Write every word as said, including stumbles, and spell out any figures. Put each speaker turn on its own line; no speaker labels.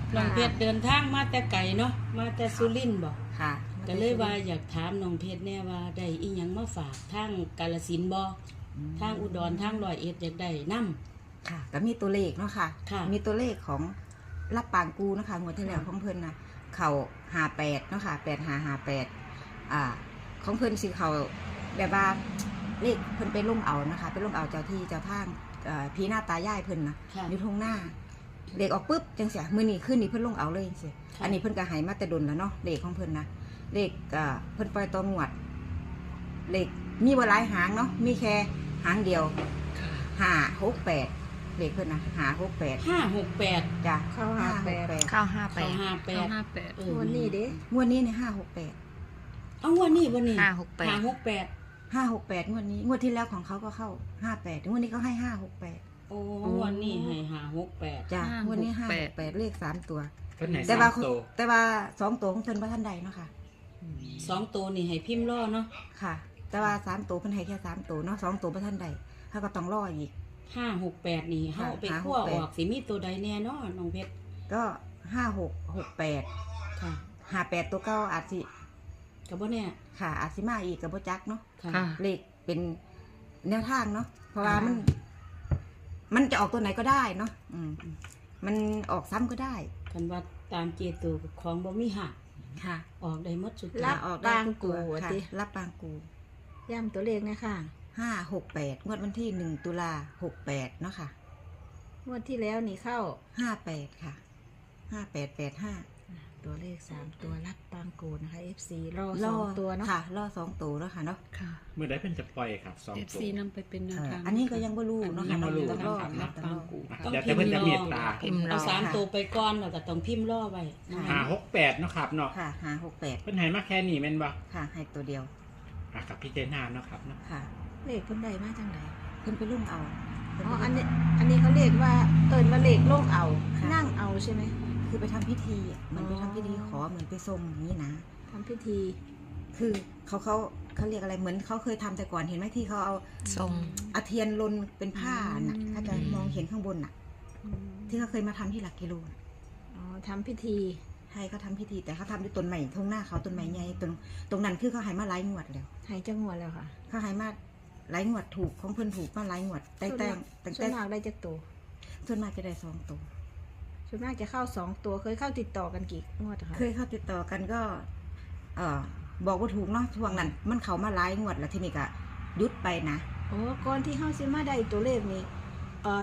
น้องเพชรเดินทางมาแต่ไกลเนาะมาแต่สุรินทร์บ่
ค่ะ
ก็เลยว่าอยากถามน้องเพชรแน่ว่าได้อีหยังมาฝากทางกาฬสินธุ์บ่ทางอุดรทางร้อยเอ็ดอยากได้นำ
ค่ะก็มีตัวเลขเนาะค่ะมีตัวเลขของรับปางกูนะคะงวดที่แล้วของเพิ่นนะเข่าห้าแปดเนาะค่ะแปดห้าห้าแปดอ่าของเพิ่นสิเขาแบบว่าเลขเพิ่นไปล่มเอานะคะไปล่มเอาเจ้าที่เจ้าทางพี่หน้าตายายเพิ่นนะอยู่ทุ่งหน้าเลขออกปุ๊บจังเสียมือนี่ขึ้นนี่เพิ่นลงเอาเลยเสียอันนี้เพิ่นก็หายมาแต่ดนแล้วเนาะเลขของเพิ่นนะเลขเพิ่นปล่อยตัวงวดเลขมีบ่หลายหางเนาะมีแค่หางเดียวห้าหกแปดเลขเพิ่นนะห้าหกแปด
ห้าหกแปด
จ้ะเข้าห้าแปด
เข้าห้าแปด
ห้าแปด
ห้าแปด
งวดนี้เด้งวดนี้เนี่ยห้าหกแปด
เอางวดนี้บ่นี่
ห้าหกแปด
ห้าหกแปด
ห้าหกแปดงวดนี้งวดที่แล้วของเขาก็เข้าห้าแปดงวดนี้เขาให้ห้าหกแปด
โอ้วันนี้ให้ห้าหกแปด
จ้ะงวดนี้ห้าหกแปดเลขสามตัว
แต่ว่า
แต่ว่าสองตัวของเพิ่นว่าท่านใดเนาะค่ะ
สองตัวนี่ให้พิมพ์รอเนาะ
ค่ะแต่ว่าสามตัวเพิ่นให้แค่สามตัวเนาะสองตัวว่าท่านใดเขาก็ต้องรออีก
ห้าหกแปดนี่เฮาไปคั่วออกสิมีตัวใดแน่เนาะน้องเพชร
ก็ห้าหกหกแปด
ค่ะ
ห้าแปดตัวเก้าอาจสิ
ก็บ่แน่
ค่ะอาจสิมาอีกก็บ่จักเนาะ
ค่ะ
เลขเป็นแนวทางเนาะเพราะว่ามันมันจะออกตัวไหนก็ได้เนาะอืมมันออกซ้ำก็ได้
คันว่าตามเจตูของบ่มีหัก
ค่ะ
ออกได้หมดสุด
รับออกได้ทุกตัวค่ะรับปางกู
ย่ำตัวเลขนะคะ
ห้าหกแปดงวดวันที่หนึ่งตุลาหกแปดเนาะค่ะ
งวดที่แล้วนี่เข้า
ห้าแปดค่ะห้าแปดแปดห้า
ตัวเลขสามตัวรับปางกูนะคะ เอฟ ซี รอสองตัวเนาะ
ค่ะรอสองตัวแล้วค่ะเนาะ
ค่ะ
เมื่อได้เป็นจะปล่อยครับสองตัว
เอฟ ซี นำไปเป็นแนวทาง
อันนี้ก็ยังไม่รู้เนาะ
ยังไม่รู้
ต้องรอรับปางกู
ต้องพิมพ์รอเอาสามตัวไปก่อนแล้วก็ต้องพิมพ์รอไว้
ห้าหกแปดเนาะครับเนาะ
ค่ะห้าหกแปด
เพิ่นให้มาแค่นี้แม่นบ่
ค่ะให้ตัวเดียว
อ่ะกับพี่เจนาเนาะครับเนาะ
ค่ะ
เลขเพิ่นได้มาจังได
เพิ่นไปลุ่มเอา
อ๋ออันนี้อันนี้เขาเรียกว่าเอิญว่าเลขล่งเอานั่งเอาใช่ไหม
คือไปทำพิธีเหมือนไปทำพิธีขอเหมือนไปทรงอย่างนี้นะ
ทำพิธี
คือเขาเขาเขาเรียกอะไรเหมือนเขาเคยทำแต่ก่อนเห็นไหมที่เขาเอา
ทรง
อาเทียนลนเป็นผ้าน่ะถ้าจะมองเห็นข้างบนน่ะที่เขาเคยมาทำที่หลักกิโล
อ๋อทำพิธี
ให้เขาทำพิธีแต่เขาทำด้วยต้นไม้ทงหน้าเขาต้นไม้ใหญ่ตรงตรงนั้นคือเขาหายมาหลายงวดแล้ว
หายจังงวดแล้วค่ะ
เขาหายมาหลายงวดถูกของเพิ่นถูกมาหลายงวดแต่แต่
แต่ส่วนมากได้จักตัว
ส่วนมากจะได้สองตัว
ส่วนมากจะเข้าสองตัวเคยเข้าติดต่อกันกี่งวดคะ
เคยเข้าติดต่อกันก็เออบอกว่าถูกเนาะช่วงนั้นมันเข้ามาหลายงวดแล้วทีนี้ก็ยุดไปนะ
โอ้ก่อนที่เข้าซิมาได้ตัวเลขนี้